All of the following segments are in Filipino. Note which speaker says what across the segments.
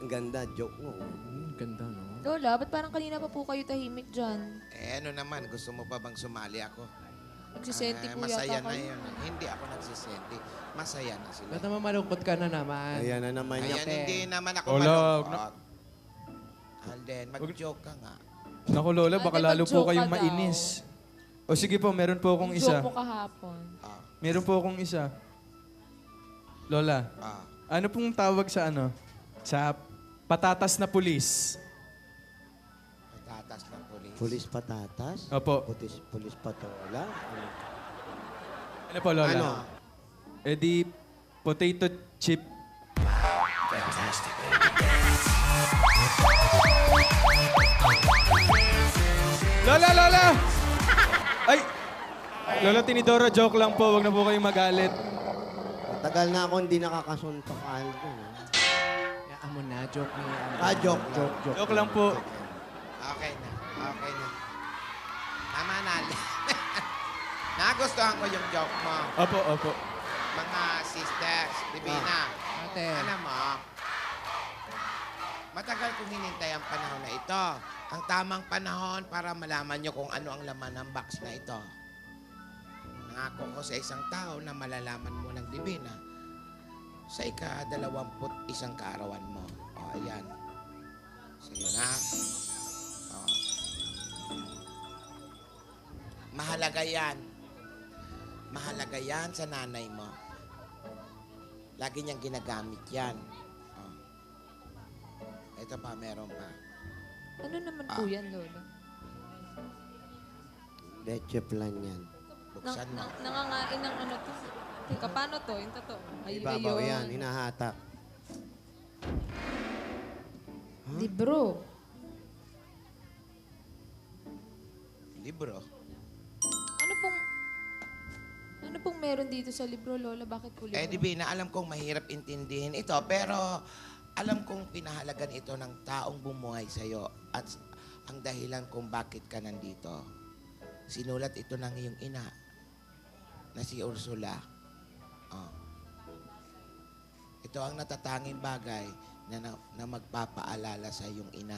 Speaker 1: Ang ganda, joke mo.
Speaker 2: Ganda, no?
Speaker 3: Lola, ba't parang kanina pa po kayo tahimik dyan?
Speaker 4: Ano naman, gusto mo pa bang sumali ako?
Speaker 3: Nagsisenti po
Speaker 4: Masaya
Speaker 3: yata
Speaker 4: na
Speaker 3: kayo.
Speaker 4: yun. Hindi ako nagsisenti. Masaya na sila.
Speaker 2: Ba't naman malungkot ka na naman?
Speaker 1: Ayan na naman niya.
Speaker 4: Ayan, hindi naman ako
Speaker 5: Lola,
Speaker 4: malungkot. Alden, mag-joke ka nga.
Speaker 5: Naku, Lola, baka
Speaker 3: Ate,
Speaker 5: lalo po
Speaker 3: mag-joke
Speaker 5: kayong
Speaker 3: ka daw.
Speaker 5: mainis. O sige po, meron po akong isa.
Speaker 3: Joke mo kahapon.
Speaker 4: Ah,
Speaker 5: Meron po akong isa. Lola,
Speaker 4: ah.
Speaker 5: ano pong tawag sa ano? Sa patatas na pulis.
Speaker 4: Patatas ng pulis.
Speaker 1: Pulis patatas?
Speaker 5: Opo.
Speaker 1: Pulis patola?
Speaker 5: Ano po, Lola?
Speaker 1: Ano?
Speaker 5: Eh di, potato chip. Lola, Lola! Ay! Lola Tinidora, joke lang po. Huwag na po kayong magalit.
Speaker 1: Matagal na ako hindi nakakasuntok, Alden.
Speaker 2: Yaan mo na, joke mo yan.
Speaker 1: Joke.
Speaker 5: Joke lang po.
Speaker 4: Okay na. Okay na. Tama na, Alden. Nagustuhan ko yung joke mo.
Speaker 5: Opo, opo.
Speaker 4: Mga sisters, Divina.
Speaker 2: Ate.
Speaker 4: Alam mo, matagal kong hinintay ang panahon na ito. Ang tamang panahon para malaman nyo kung ano ang laman ng box na ito. Nangako ko sa isang tao na malalaman mo ng Divina sa ika-21 kaarawan mo. O, ayan. Sige na. O. Mahalaga yan. Mahalaga yan sa nanay mo. Lagi niyang ginagamit yan. Oh. Ito pa, meron pa.
Speaker 3: Ano naman po yan, Lola?
Speaker 1: Leche plan yan.
Speaker 4: Buksan mo.
Speaker 3: Nangangain ng ano to. Teka, paano to? Yung totoo. Ay,
Speaker 1: Ibabaw
Speaker 3: ayun.
Speaker 1: yan, hinahatak.
Speaker 3: Libro.
Speaker 4: Libro.
Speaker 3: Ano pong meron dito sa libro, Lola? Bakit po libro?
Speaker 4: Divina, alam kong mahirap intindihin ito, pero alam kong pinahalagan ito ng taong bumuhay sa'yo at ang dahilan kung bakit ka nandito. Sinulat ito ng iyong ina na si Ursula. Oh. Ito ang natatanging bagay na magpapaalala sa iyong ina.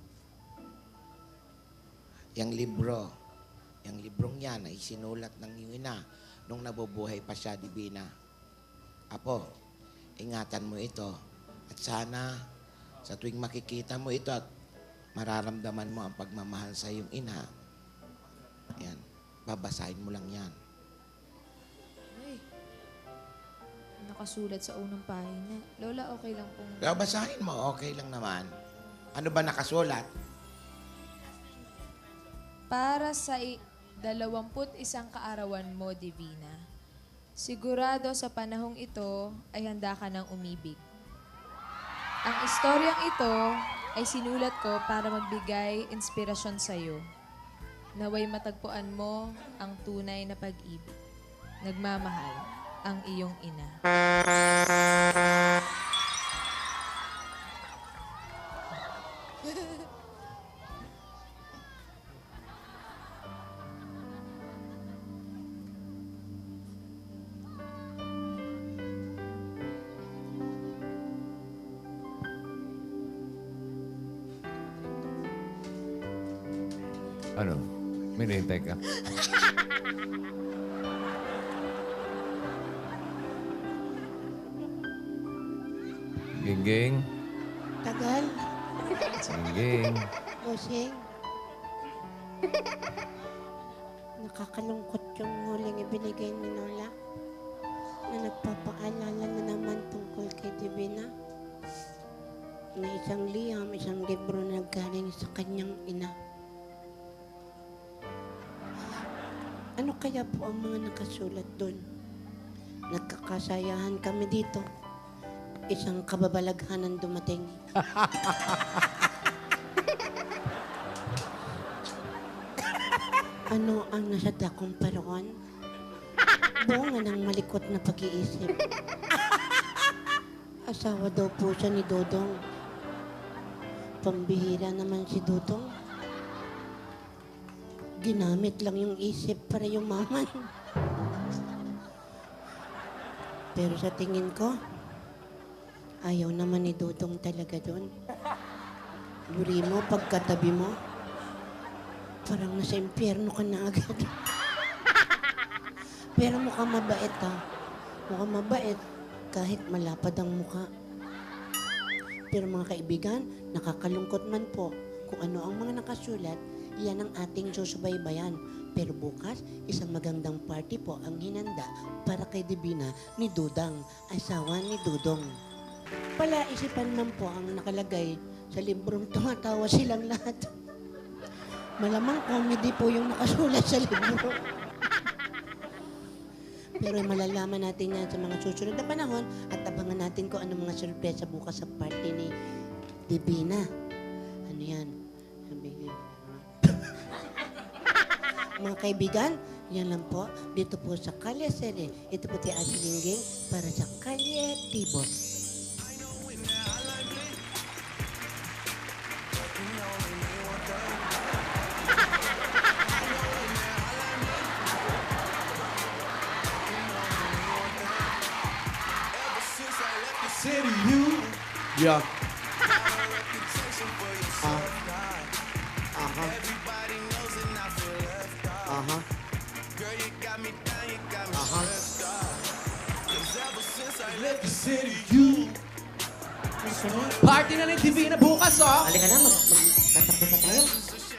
Speaker 4: Yang libro, yung librong yan ay sinulat ng iyong ina nung nabubuhay pa siya, Divina. Apo, ingatan mo ito. At sana, sa tuwing makikita mo ito at mararamdaman mo ang pagmamahal sa iyong ina, yan, babasahin mo lang yan.
Speaker 3: Ay. Nakasulat sa unang pahina. Lola, okay lang pong...
Speaker 4: Kaya basahin mo, okay lang naman. Ano ba nakasulat?
Speaker 3: Para sa 21 kaarawan mo, Divina. Sigurado sa panahong ito ay handa ka ng umibig. Ang istoryang ito ay sinulat ko para magbigay inspirasyon sa iyo. Naway matagpuan mo ang tunay na pag-ibig. Nagmamahal ang iyong ina.
Speaker 6: Ano? May nahintay ka? Gingging.
Speaker 7: Tagal.
Speaker 6: Gingging.
Speaker 7: Busing. Nakakalungkot yung huling ibinigay ni Lola na nagpapaalala na naman tungkol kay Divina na isang liham, isang libro na naggaling sa kanyang ina. Ano kaya po ang mga nakasulat doon? Nagkakasayahan kami dito. Isang kababalaghanan dumating. Ano ang nasa dakong paroon? Bunga ng malikot na pag-iisip. Asawa daw po siya ni Dodong. Pambihira naman si Dodong. Ginamit lang yung isip para yumaman. Pero sa tingin ko, Ayaw naman ni Dudong talaga doon. Yuri mo, pagkatabi mo, parang nasa impyerno ka na agad. Pero mukhang mabait ha. Mukhang mabait kahit malapad ang mukha. Pero mga kaibigan, nakakalungkot man po kung ano ang mga nakasulat, yan ang ating susubaybayan. Pero bukas, isang magandang party po ang hinanda para kay Divina ni Dudang, asawa ni Dudong. Palaisipan man po ang nakalagay sa librong tumatawa silang lahat. Malamang comedy po yung nakasulat sa libro. Pero malalaman natin yan sa mga susunod na panahon at abangan natin kung ano mga sorpresa bukas sa party ni Divina. Ano yan? Sabihin. Mga kaibigan, yan lang po. Dito po sa Kalye Sere. Ito po si Ate Lingging para sa Kalye Tibos.
Speaker 1: Yeah. Aha. Aha. Aha.
Speaker 2: Party na ni Divina bukas, oh!
Speaker 7: Halika na, magtatakbo pa tayo.